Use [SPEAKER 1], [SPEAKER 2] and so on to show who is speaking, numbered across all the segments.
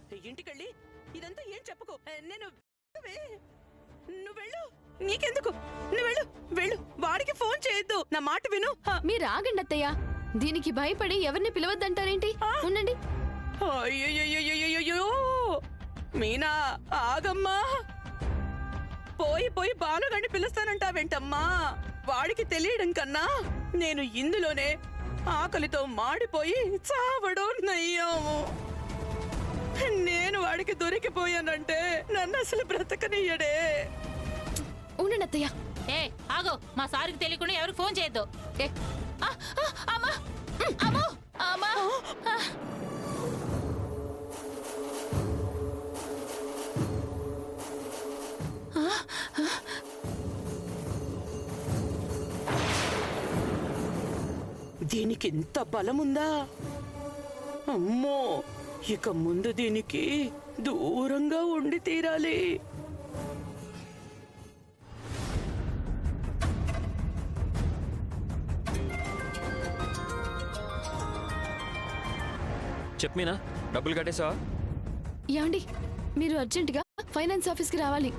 [SPEAKER 1] ఇంటికెళ్ళి ఇదంతా ఏం చెప్పుకో. నేను నువ్వు వెళ్ళు, నీకెందుకు, నువ్వు వెళ్ళు వెళ్ళు. వాడికి ఫోన్ చేయొద్దు, నా మాట విను.
[SPEAKER 2] మీరు ఆగండి అత్తయ్య, దీనికి భయపడి ఎవరిని పిలవద్దంటారేంటి? ఉండండి.
[SPEAKER 1] అయ్యో మీనా, ఆగమ్మా. పోయి పోయి బాలుగాడిని పిలుస్తానంటావేంటమ్మా? వాడికి తెలియడం కన్నా నేను ఇందులోనే ఆకలితో మాడిపోయి చావడం నయ్యాము. నేను వాడికి దొరికిపోయానంటే నన్ను అసలు బ్రతకనియ్యడే.
[SPEAKER 2] ఉండండి అత్తయ్య.
[SPEAKER 3] ఏ ఆగో, మా సారికి తెలియకుండా ఎవరికి ఫోన్ చేయొద్దు.
[SPEAKER 1] దీనికి ఇంత బలముందా? అమ్మో, ఇక ముందు దీనికి దూరంగా ఉండి తీరాలి.
[SPEAKER 4] చెప్పమీనా, డబ్బులు కట్టేసావా?
[SPEAKER 2] యాండి, మీరు అర్జెంటుగా ఫైనాన్స్ ఆఫీస్కి రావాలి.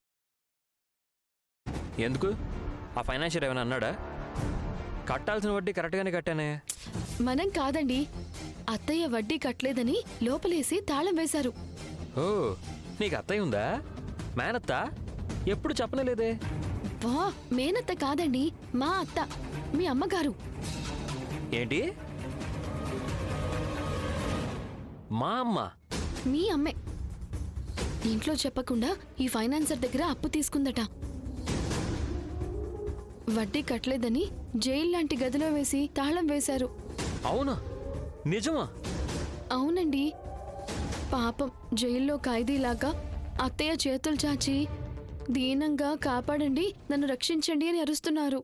[SPEAKER 4] ఎందుకు? ఆ ఫైనాన్షియర్ ఏమైనా అన్నాడా? కట్టాల్సిన వడ్డీ కరెక్ట్గానే కట్టానే.
[SPEAKER 2] మనం కాదండి, అత్తయ్య వడ్డీ కట్టలేదని లోపలేసి తాళం వేశారు.
[SPEAKER 4] ఓ, నీకు అత్తయ్య ఉందా? మేనత్త? ఎప్పుడు చెప్పనేలేదే.
[SPEAKER 2] వా, మేనత్త కాదండి, మా అత్త, మీ అమ్మగారు.
[SPEAKER 4] ఏంటి? మా అమ్మ?
[SPEAKER 2] మీ అమ్మే. ఇంట్లో చెప్పకుండా ఈ ఫైనాన్సర్ దగ్గర అప్పు తీసుకుందట. వడ్డీ కట్టలేదని జైలు లాంటి గదిలో వేసి తాళం వేశారు.
[SPEAKER 4] అవునా? నిజమా?
[SPEAKER 2] అవునండి. పాపం జైల్లో ఖైదీలాగా అత్తయ్య చేతులు చాచి దీనంగా కాపాడండి, నన్ను రక్షించండి అని అరుస్తున్నారు.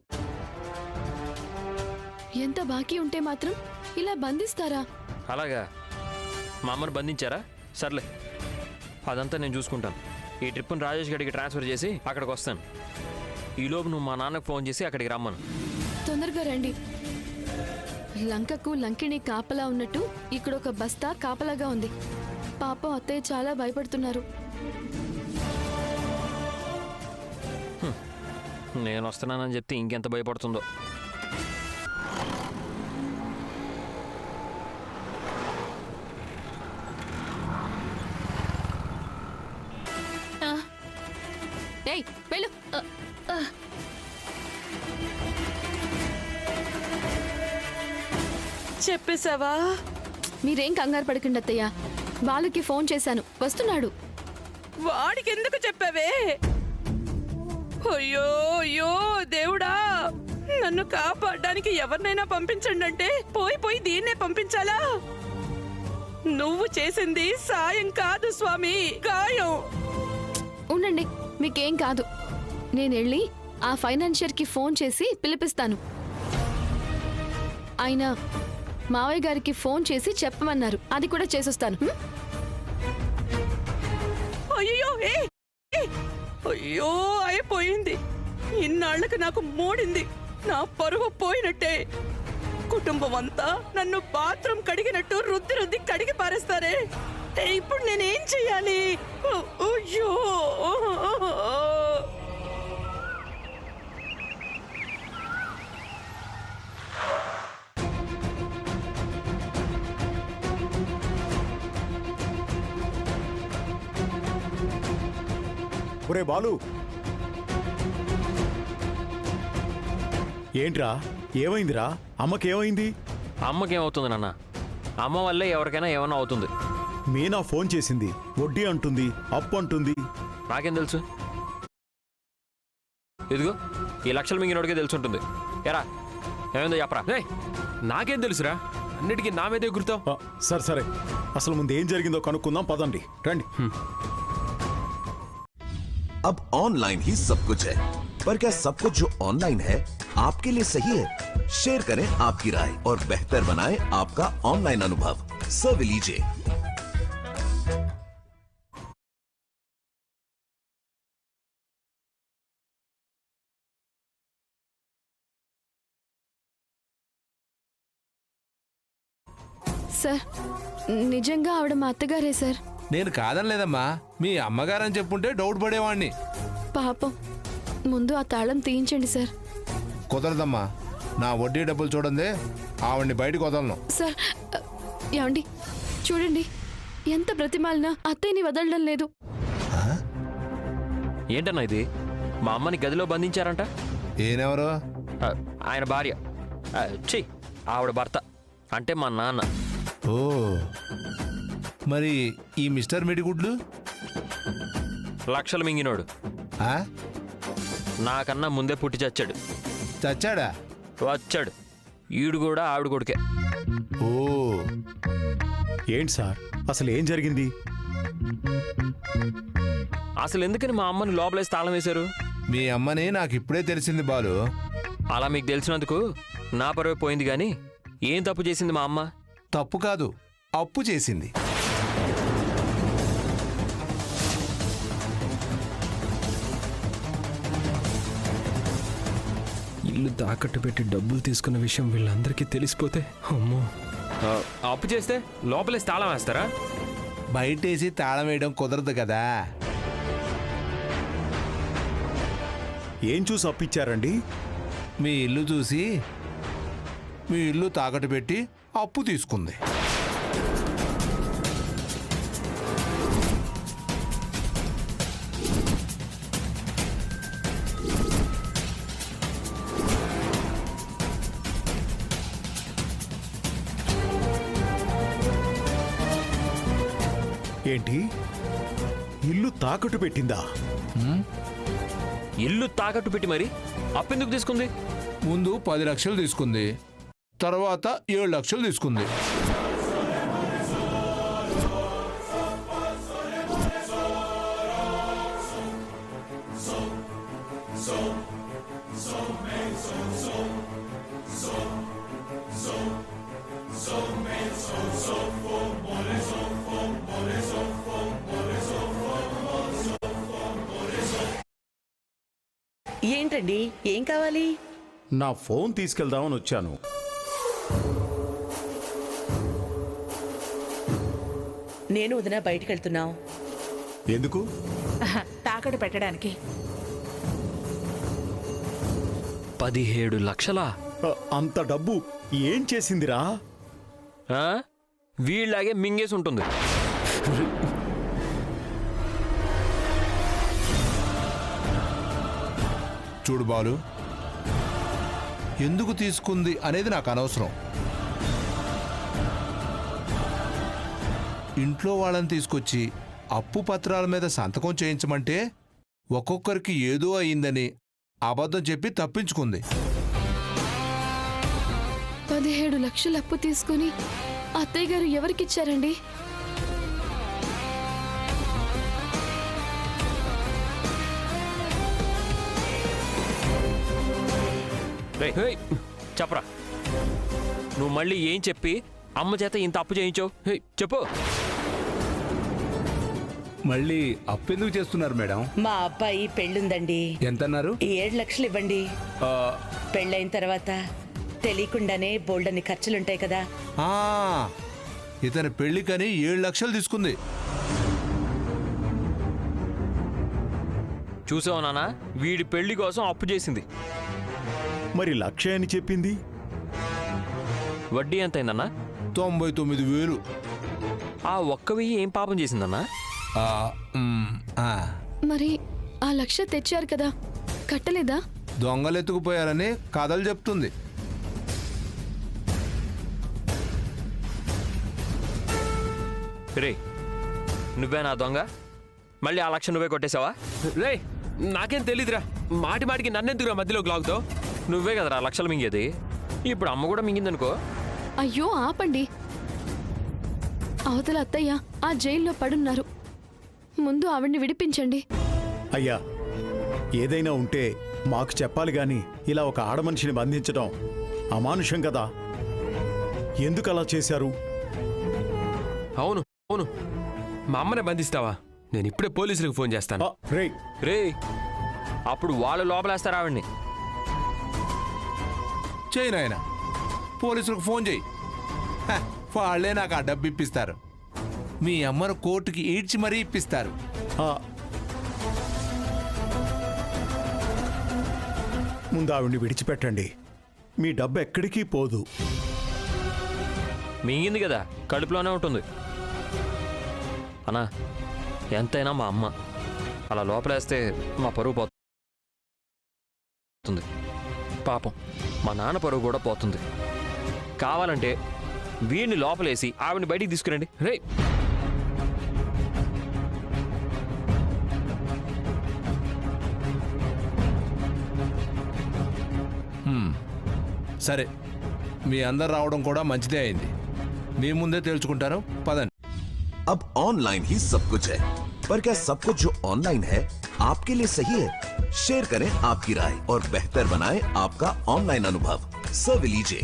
[SPEAKER 2] ఎంత బాకీ ఉంటే మాత్రం ఇలా బంధిస్తారా?
[SPEAKER 4] అలాగా? మా అమ్మను బంధించారా? సర్లే, అదంతా నేను చూసుకుంటాను. ఈ ట్రిప్ను రాజేష్ గడికి ట్రాన్స్ఫర్ చేసి అక్కడికి వస్తాను. ఈలోపు నువ్వు మా నాన్నకు ఫోన్ చేసి అక్కడికి రమ్మను.
[SPEAKER 2] తొందరగా రండి. లంకకు లంకిణి కాపలా ఉన్నట్టు ఇక్కడ ఒక బస్తా కాపలాగా ఉంది. పాపం అత్తయ్య చాలా భయపడుతున్నారు.
[SPEAKER 4] నేను వస్తున్నానని చెప్తే ఇంకెంత భయపడుతుందో.
[SPEAKER 2] ఏయ్, వెళ్ళు.
[SPEAKER 1] చెప్పేశావా?
[SPEAKER 2] మీరేం కంగారు పడకండి అత్తయ్య, బాలుకి ఫోన్ చేశాను, వస్తున్నాడు.
[SPEAKER 1] వాడికి ఎందుకు చెప్పావే? అయ్యో అయ్యో దేవుడా, నన్ను కాపాడడానికి ఎవరినైనా పంపించండి అంటే పోయి పోయి దీన్నే పంపించాలా? నువ్వు చేసింది సాయం కాదు స్వామి, గాయం.
[SPEAKER 2] ఉండండి, మీకేం కాదు. నేనెళ్ళి ఆ ఫైనాన్షియర్కి ఫోన్ చేసి పిలిపిస్తాను. ఆయన మావయ్య గారికి ఫోన్ చేసి చెప్పమన్నారు, అది కూడా చేసొస్తాను.
[SPEAKER 1] అయ్యో, అయ్యో అయిపోయింది. ఇన్నాళ్లకు నాకు మూడింది. నా పరువు పోయినట్టే. కుటుంబం అంతా నన్ను బాత్రూమ్ కడిగినట్టు రుద్ది రుద్ది కడిగి పారేస్తారే. ఇప్పుడు నేనేం చెయ్యాలి? అయ్యో,
[SPEAKER 5] ఒరే బాలు, ఏంట్రా ఏమైందిరా? అమ్మకేమైంది?
[SPEAKER 4] అమ్మకేమవుతుంది నాన్న? అమ్మ వల్లే ఎవరికైనా ఏమన్నా అవుతుంది.
[SPEAKER 5] మీనా ఫోన్ చేసింది, వడ్డీ అంటుంది, అప్పు అంటుంది.
[SPEAKER 4] నాకేం తెలుసు? ఇదిగో ఈ లక్షలు మింగినోడికే తెలుసుంటుంది. ఎరా ఏమైందో చెప్పరా?
[SPEAKER 6] నాకేం తెలుసురా, అన్నిటికీ నా మీదే గుర్తావు.
[SPEAKER 5] సరే సరే, అసలు ముందు ఏం జరిగిందో కనుక్కుందాం, పదండి రండి.
[SPEAKER 7] अब ऑनलाइन ही सब कुछ है, पर क्या सब कुछ जो ऑनलाइन है आपके लिए सही है? शेयर करें आपकी राय और बेहतर बनाएं आपका ऑनलाइन अनुभव। सर्व लीजिए।
[SPEAKER 2] సార్, నిజంగా ఆవిడ మా అత్తగారే సార్.
[SPEAKER 8] నేను కాదనలేదమ్మా, మీ అమ్మగారని చెప్పుంటే డౌట్ పడేవాణ్ణి.
[SPEAKER 2] పాపం ముందు ఆ తాళం తీయించండి సార్.
[SPEAKER 8] కుదరదమ్మా, నా వడ్డీ డబ్బులు చూడండి, ఆవిడ్ని బయటకు వదలను.
[SPEAKER 2] సార్ ఏమండి చూడండి, ఎంత బ్రతిమాలినా అత్తయ్యని వదలడం లేదు.
[SPEAKER 4] ఏంటన్నా ఇది? మా అమ్మని గదిలో బంధించారంట.
[SPEAKER 8] ఈయనెవరు?
[SPEAKER 4] ఆయన భార్య. ఛీ, ఆవిడ భర్త అంటే మా నాన్న.
[SPEAKER 8] ఓ, మరి ఈ మిస్టర్ మిడిగుడ్లు?
[SPEAKER 4] లక్షలు మింగినోడు.
[SPEAKER 8] ఆ?
[SPEAKER 4] నాకన్నా ముందే పుట్టి చచ్చాడు.
[SPEAKER 8] చచ్చాడా?
[SPEAKER 4] వచ్చాడు. ఈడు కూడా ఆవిడ కొడుకే.
[SPEAKER 8] ఓ,
[SPEAKER 5] ఏంటి సార్, అసలు ఏం జరిగింది?
[SPEAKER 4] అసలు ఎందుకని మా అమ్మని లోపలేసి తాళం వేశారు?
[SPEAKER 8] మీ అమ్మని నాకు ఇప్పుడే తెలిసింది బాలు.
[SPEAKER 4] అలా మీకు తెలిసినందుకు నా పరువే పోయింది కానీ ఏం తప్పు చేసింది మా అమ్మ?
[SPEAKER 8] తప్పు కాదు, అప్పు చేసింది.
[SPEAKER 6] ఇల్లు తాకట్టు పెట్టి డబ్బులు తీసుకున్న విషయం వీళ్ళందరికీ తెలిసిపోతే అమ్మో. అప్పు చేస్తే లోపలేసి తాళం వేస్తారా?
[SPEAKER 8] బయటేసి తాళం వేయడం కుదరదు కదా.
[SPEAKER 5] ఏం చూసి అప్పిచ్చారండి?
[SPEAKER 8] మీ ఇల్లు చూసి మీ ఇల్లు తాకట్టు పెట్టి అప్పు తీసుకుంది.
[SPEAKER 5] ఏంటి, ఇల్లు తాకట్టు పెట్టిందా?
[SPEAKER 4] ఇల్లు తాకట్టు పెట్టి మరి అప్పెందుకు తీసుకుంది?
[SPEAKER 8] ముందు 10 లక్షలు తీసుకుంది, తర్వాత 7 లక్షలు తీసుకుంది.
[SPEAKER 1] ఏంటండి, ఏం కావాలి?
[SPEAKER 5] నా ఫోన్ తీసుకెళ్దామని వచ్చాను.
[SPEAKER 1] నేను వదిన బయటికి వెళ్తున్నాం.
[SPEAKER 5] ఎందుకు?
[SPEAKER 3] తాకట్టు పెట్టడానికి.
[SPEAKER 4] 17 లక్షలా?
[SPEAKER 5] అంత డబ్బు ఏం చేసిందిరా?
[SPEAKER 4] వీళ్ళలాగే మింగేసి ఉంటుంది.
[SPEAKER 8] చూడు బాలు, ఎందుకు తీసుకుంది అనేది నాకు అనవసరం. ఇంట్లో వాళ్ళని తీసుకొచ్చి అప్పు పత్రాల మీద సంతకం చేయించమంటే ఒక్కొక్కరికి ఏదో అయిందని అబద్ధం చెప్పి తప్పించుకుంది.
[SPEAKER 2] 17 లక్షలు అప్పు తీసుకుని అత్తయ్య గారు ఎవరికిచ్చారండి?
[SPEAKER 4] చెప్పరా, నువ్వు మళ్ళీ ఏం చెప్పి అమ్మ చేత ఇంత అప్పు చేయించావు? చెప్పు.
[SPEAKER 9] మళ్ళీ అప్పెందుకు చేస్తున్నారు మేడం?
[SPEAKER 1] మా అబ్బాయి పెళ్ళుందండి.
[SPEAKER 9] ఎంతన్నారు?
[SPEAKER 1] 7 లక్షలు ఇవ్వండి. పెళ్ళైన తర్వాత తెలియకుండానే బోల్డని ఖర్చులుంటాయి కదా.
[SPEAKER 8] ఇతని పెళ్లికని 7 లక్షలు తీసుకుంది.
[SPEAKER 4] చూసావు నాన్న, వీడి పెళ్లి కోసం అప్పు చేసింది.
[SPEAKER 5] మరి 1 లక్ష అని చెప్పింది.
[SPEAKER 4] వడ్డీ ఎంత అయిందన్నా?
[SPEAKER 8] 99,000.
[SPEAKER 4] ఆ 1,000 ఏం పాపం చేసిందన్నా?
[SPEAKER 2] మరి ఆ 1 లక్ష తెచ్చారు కదా, కట్టలేదా?
[SPEAKER 8] దొంగలెత్తుకుపోయారని కథలు చెప్తుంది.
[SPEAKER 4] రే, నువ్వే నా దొంగ? మళ్ళీ ఆ 1 లక్ష నువ్వే కొట్టేశావా?
[SPEAKER 6] రే, నాకేం తెలీదురా. మాటి మాటికి నన్నెందుకురా మధ్యలోకి లాగుతావు?
[SPEAKER 4] నువ్వే కదరా 1 లక్షలు మింగేది. ఇప్పుడు అమ్మ కూడా మింగిందనుకో.
[SPEAKER 2] అయ్యో ఆపండి. అవతల అత్తయ్య ఆ జైల్లో పడున్నారు, ముందు ఆవిడ్ని విడిపించండి.
[SPEAKER 5] అయ్యా, ఏదైనా ఉంటే మాకు చెప్పాలి గాని ఇలా ఒక ఆడమనిషిని బంధించడం అమానుషం కదా. ఎందుకు అలా చేశారు?
[SPEAKER 6] అవును అవును, మా అమ్మనే బంధిస్తావా? నేను ఇప్పుడే పోలీసులకు ఫోన్ చేస్తాను.
[SPEAKER 4] రే, అప్పుడు వాళ్ళు లోపలేస్తారు ఆవిడ్ని.
[SPEAKER 8] చేయి నాయన, పోలీసులకు ఫోన్ చేయి. వాళ్ళే నాకు ఆ డబ్బు ఇప్పిస్తారు. మీ అమ్మను కోర్టుకి ఈడ్చి మరీ ఇప్పిస్తారు.
[SPEAKER 5] ఆ, ముందు ఆవిడ్ని విడిచిపెట్టండి. మీ డబ్బు ఎక్కడికి పోదు.
[SPEAKER 4] మింగింది కదా, కడుపులోనే ఉంటుంది. అన్నా, ఎంతైనా మా అమ్మ. అలా లోపలేస్తే మా పరువు పోతుంది. పాపం మా నాన్న పరువు కూడా పోతుంది. కావాలంటే వీడిని లోపలేసి ఆవిడని బయటికి తీసుకురండి. రే,
[SPEAKER 8] సరే, మీ అందరు రావడం కూడా మంచిదే అయింది. మీ ముందే తేల్చుకుంటాను, పదండి.
[SPEAKER 7] अब ऑनलाइन ही सब कुछ है, पर क्या सब कुछ जो ऑनलाइन है आपके लिए सही है? शेयर करें आपकी राय और बेहतर बनाएं आपका ऑनलाइन अनुभव। सर्व लीजिए।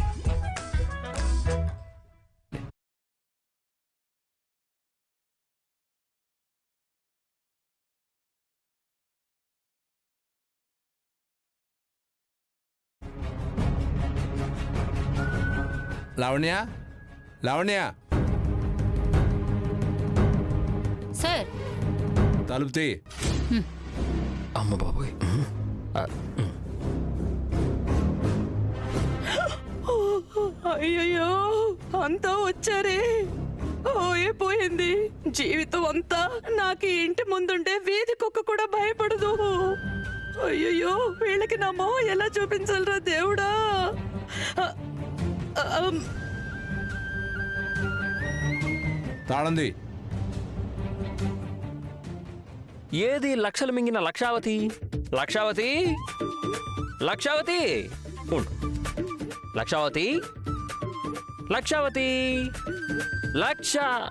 [SPEAKER 8] లావణ్య, లావణ్య,
[SPEAKER 10] సార్
[SPEAKER 8] తలుపు తీ.
[SPEAKER 4] అమ్మ బాబోయ్.
[SPEAKER 1] అయ్యయ్యో, అంతా వచ్చారే. పోయింది జీవితం అంతా. నాకు ఈ ఇంటి ముందుండే వీధి కుక్క కూడా భయపడదు. అయ్యయ్యో, వీళ్ళకి నా మొహం ఎలా చూపించాలరా దేవుడా.
[SPEAKER 8] తాళంది.
[SPEAKER 4] ఏది లక్షలు మింగిన లక్షావతి? లక్షావతి, లక్షావతి, ఉండు. లక్షావతి, లక్షావతి, లక్ష.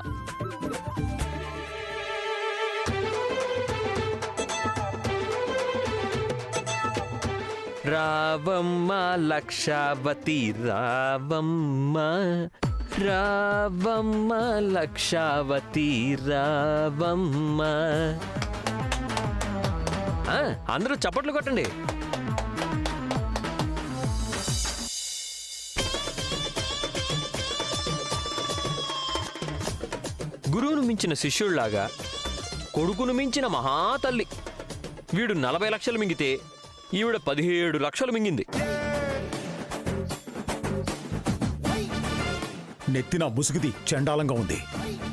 [SPEAKER 4] రావమ్మ లక్షావతి, రావమ్మ, రావమ్మ లక్షావతి, రావమ్మ. అందరూ చప్పట్లు కొట్టండి. గురువును మించిన శిష్యుళ్లాగా కొడుకును మించిన మహాతల్లి. వీడు 40 లక్షలు మింగితే ఈవిడ 17 లక్షలు మింగింది.
[SPEAKER 5] నెత్తిన ముసుగుది చండాలంగా ఉంది.